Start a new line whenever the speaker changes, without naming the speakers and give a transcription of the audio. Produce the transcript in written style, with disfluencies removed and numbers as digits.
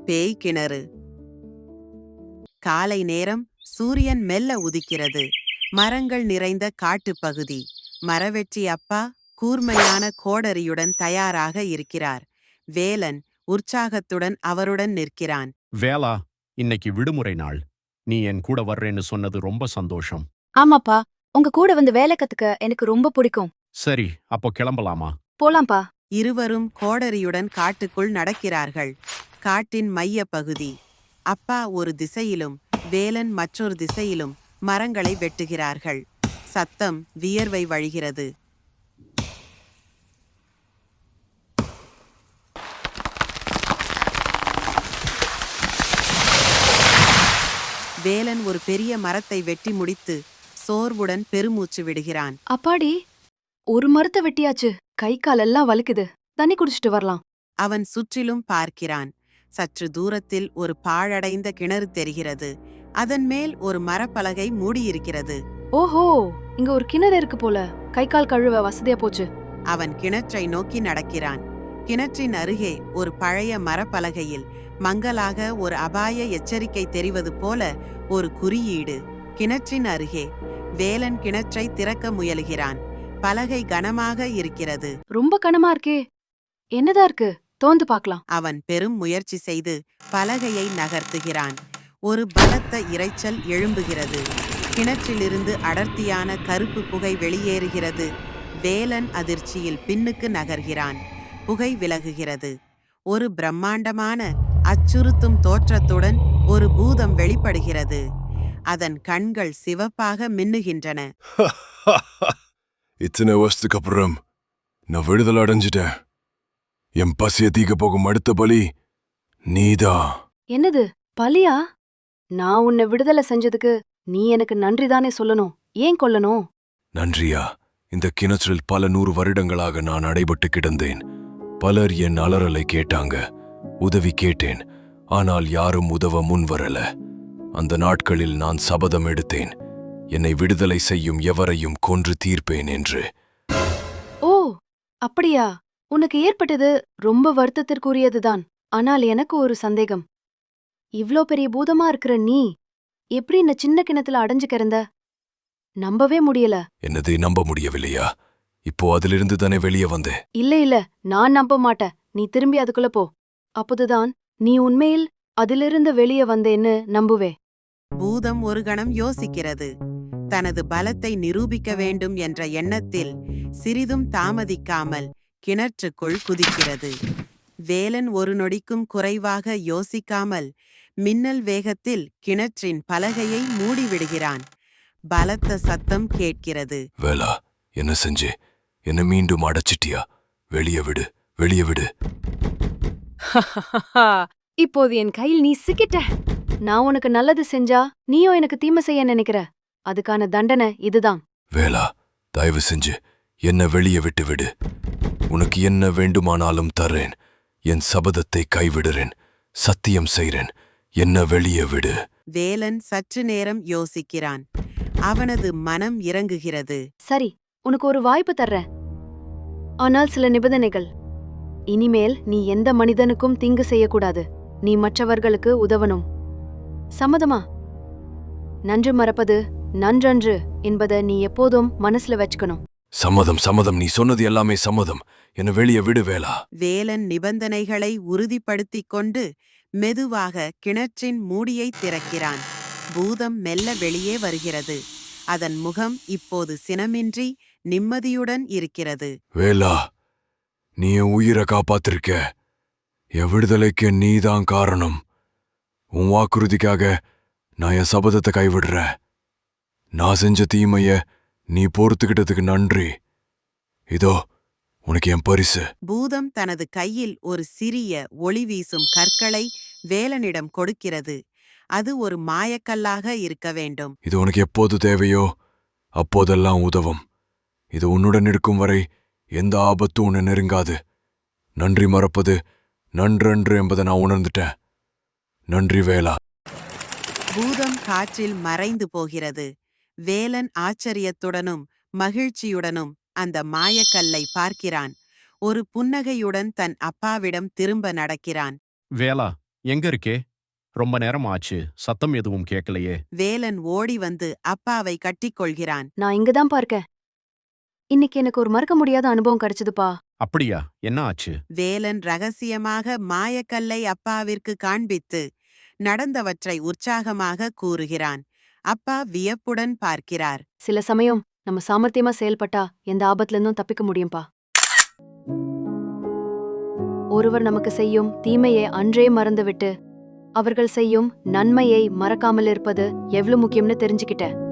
பேய் கிணறு. காலை நேரம். சூரியன் மெல்ல உதிக்கிறது. மரங்கள் நிறைந்த காட்டுப்பகுதி. மரவெட்டி அப்பா கூர்மையான கோடரியுடன் தயாராக இருக்கிறார். வேலன் உற்சாகத்துடன் அவருடன் நிற்கிறான்.
வேலா, இன்னைக்கு விடுமுறை நாள். நீ என் கூட வர்றேன்னு சொன்னது ரொம்ப சந்தோஷம்.
ஆமாப்பா, உங்க கூட வந்து வேலை கத்துக்க எனக்கு ரொம்ப பிடிக்கும்.
சரி, அப்போ கிளம்பலாமா?
போலாம்ப்பா.
இருவரும் கோடரியுடன் காட்டுக்குள் நடக்கிறார்கள். காட்டின் மைய பகுதி. அப்பா ஒரு திசையிலும் வேலன் மற்றொரு திசையிலும் மரங்களை வெட்டுகிறார்கள். சத்தம், வியர்வை வழிகிறது. வேலன் ஒரு பெரிய மரத்தை வெட்டி முடித்து சோர்வுடன் பெருமூச்சு விடுகிறான்.
அப்பாடி, ஒரு மரத்தை வெட்டியாச்சு. கை காலெல்லாம் வலிக்குது. தண்ணி குடிச்சிட்டு வரலாம்.
அவன் சுற்றிலும் பார்க்கிறான். சற்று தூரத்தில் ஒரு பாழடைந்த கிணறு தெரிகிறது. அதன் மேல் ஒரு மரப்பலகை மூடியிருக்கிறது.
ஓஹோ, இங்க ஒரு கிணறு இருக்கு போல. கை கால் கழுவ வசதியா போச்சு.
அவன் கிணற்றை நோக்கி நடக்கிறான். கிணற்றின் அருகே ஒரு பழைய மரப்பலகையில் மங்கலாக ஒரு அபாய எச்சரிக்கை தெரிவது போல ஒரு குறியீடு. கிணற்றின் அருகே வேலன் கிணற்றை திறக்க முயலுகிறான். பலகை கனமாக இருக்கிறது.
ரொம்ப கனமா இருக்கே. என்னதா இருக்கு? தோந்து பார்க்கலாம்.
அவன் பெரும் முயற்சி செய்து பலகையை நகர்த்துகிறான். ஒரு பலத்த இரைச்சல் எழும்புகிறது. கிணற்றிலிருந்து அடர்த்தியான கருப்பு புகை வெளியேறுகிறது. வேலன் அதிர்ச்சியில் பின்னுக்கு நகர்கிறான். புகை விலகுகிறது. ஒரு பிரம்மாண்டமான அச்சுறுத்தும் தோற்றத்துடன் ஒரு பூதம் வெளிப்படுகிறது. அதன் கண்கள் சிவப்பாக மின்னுகின்றன.
இத்தனை வருஷத்துக்கு அப்புறம் நான் விடுதலை அடைஞ்சிட்டேன். என் பசிய தீக்க போகும் அடுத்த பலி நீதான்.
என்னது, பலியா? நான் உன்னை விடுதலை செஞ்சதுக்கு நீ எனக்கு நன்றிதானே சொல்லணும். ஏன் கொல்லணும்?
நன்றியா? இந்த கிணற்றில் பல 100 வருடங்களாக நான் அடைபட்டு கிடந்தேன். பலர் என் அலறலை கேட்டாங்க. உதவி கேட்டேன். ஆனால் யாரும் உதவ முன்வரல. அந்த நாட்களில் நான் சபதம் எடுத்தேன், என்னை விடுதலை செய்யும் எவரையும் கொன்று தீர்ப்பேன் என்று.
ஓ, அப்படியா? உனக்கு ஏற்பட்டது ரொம்ப வருத்தத்திற்குரியதுதான். ஆனால் எனக்கு ஒரு சந்தேகம். இவ்ளோ பெரிய பூதமா இருக்கிற நீ எப்படி இந்த சின்ன கிணத்துல அடைஞ்சு கிடந்த? நம்பவே முடியல.
என்னதை நம்ப முடியவில்லையா? இப்போ அதிலிருந்து தானே வெளியே வந்தேன்.
இல்ல, நான் நம்ப மாட்டேன். நீ திரும்பி அதுக்குள்ள போ. அப்போதுதான் நீ உண்மையில் அதிலிருந்து வெளியே வந்தேன்னு நம்புவே.
பூதம் ஒரு கணம் யோசிக்கிறது. தனது பலத்தை நிரூபிக்க வேண்டும் என்ற எண்ணத்தில் சிறிதும் தாமதிக்காமல் கிணற்றுக்குள் குதிக்கிறது. வேலன் ஒரு நொடிக்கும் குறைவாக யோசிக்காமல் மின்னல் வேகத்தில் கிணற்றின் பலகையை மூடிவிடுகிறான். பலத்த சத்தம் கேட்கிறது.
வேலா, என்ன செஞ்சே? என்ன மீண்டும் அடைச்சிட்டியா? வெளியே விடு, வெளியே விடு.
இப்போது என் கையில் நீ சிக்கிட்ட. நான் உனக்கு நல்லது செஞ்சா நீயும் எனக்கு தீமை செய்ய நினைக்கிற. அதுக்கான தண்டனை இதுதான்.
வேலா, தயவு செஞ்சு என்ன வெளியே விட்டு விடு. உனக்கு என்ன வேண்டுமானாலும் தர்றேன். என் சபதத்தை கைவிடுறேன். சத்தியம் செய்றேன். என்ன வெளியே விடு.
வேலன் சற்று நேரம் யோசிக்கிறான். அவனது மனம் இறங்குகிறது.
சரி, உனக்கு ஒரு வாய்ப்பு தர்றேன். ஆனால் சில நிபந்தனைகள். இனிமேல் நீ எந்த மனிதனுக்கும் தீங்கு செய்யக்கூடாது. நீ மற்றவர்களுக்கு உதவணும். சம்மதமா? நன்று மறப்பது நன்றன்று என்பதை நீ எப்போதும் மனசுல வச்சுக்கணும்.
சம்மதம், சம்மதம். நீ சொன்னது எல்லாமே சம்மதம். என்ன வெளியே விடு வேலா.
வேலன் நிபந்தனைகளை உறுதிப்படுத்திக் கொண்டு மெதுவாக கிணற்றின் மூடியை திறக்கிறான். பூதம் மெல்ல வெளியே வருகிறது. அதன் முகம் இப்போது சினமின்றி நிம்மதியுடன் இருக்கிறது.
வேலா, நீ என் உயிரை காப்பாத்திருக்க. என் விடுதலைக்கு நீதான் காரணம். உன் வாக்குறுதிக்காக நான் என் சபதத்தை கைவிடுறேன். நான் செஞ்ச தீமைய நீ பொறுத்துக்கிட்டதுக்கு நன்றி. இதோ உனக்கு என் பரிசு.
பூதம் தனது கையில் ஒரு சிறிய ஒளி வீசும் கற்களை வேலனிடம் கொடுக்கிறது. அது ஒரு மாயக்கல்லாக இருக்க வேண்டும்.
இது உனக்கு எப்போது தேவையோ அப்போதெல்லாம் உதவும். இது உன்னுடன் இருக்கும் வரை எந்த ஆபத்தும் உன்னை நெருங்காது. நன்றி மறப்பது நன்றன்று என்பதை நான் உணர்ந்துட்டேன். நன்றி வேலா.
பூதம் காற்றில் மறைந்து போகிறது. வேலன் ஆச்சரியத்துடனும் மகிழ்ச்சியுடனும் அந்த மாயக்கல்லை பார்க்கிறான். ஒரு புன்னகையுடன் தன் அப்பாவிடம் திரும்ப நடக்கிறான்.
வேலா, எங்க இருக்கே? ரொம்ப நேரம் ஆச்சு. சத்தம் எதுவும் கேட்கலையே.
வேலன் ஓடி வந்து அப்பாவை கட்டிக்கொள்கிறான்.
நான் இங்கதான் இருக்கேன். இன்னைக்கு எனக்கு ஒரு மறக்க முடியாத அனுபவம் கிடைச்சதுப்பா.
அப்படியா? என்ன ஆச்சு?
வேலன் ரகசியமாக மாயக்கல்லை அப்பாவிற்கு காண்பித்து நடந்தவற்றை உற்சாகமாக கூறுகிறான். அப்பா வியப்புடன் பார்க்கிறார்.
சில சமயம் நம்ம சாமர்த்தியமா செயல்பட்டா எந்த ஆபத்துல இருந்தும் தப்பிக்க முடியும்பா. ஒருவர் நமக்கு செய்யும் தீமையை அன்றே மறந்துவிட்டு அவர்கள் செய்யும் நன்மையை மறக்காமல் இருப்பது எவ்வளவு முக்கியம்னு தெரிஞ்சுக்கிட்டேன்.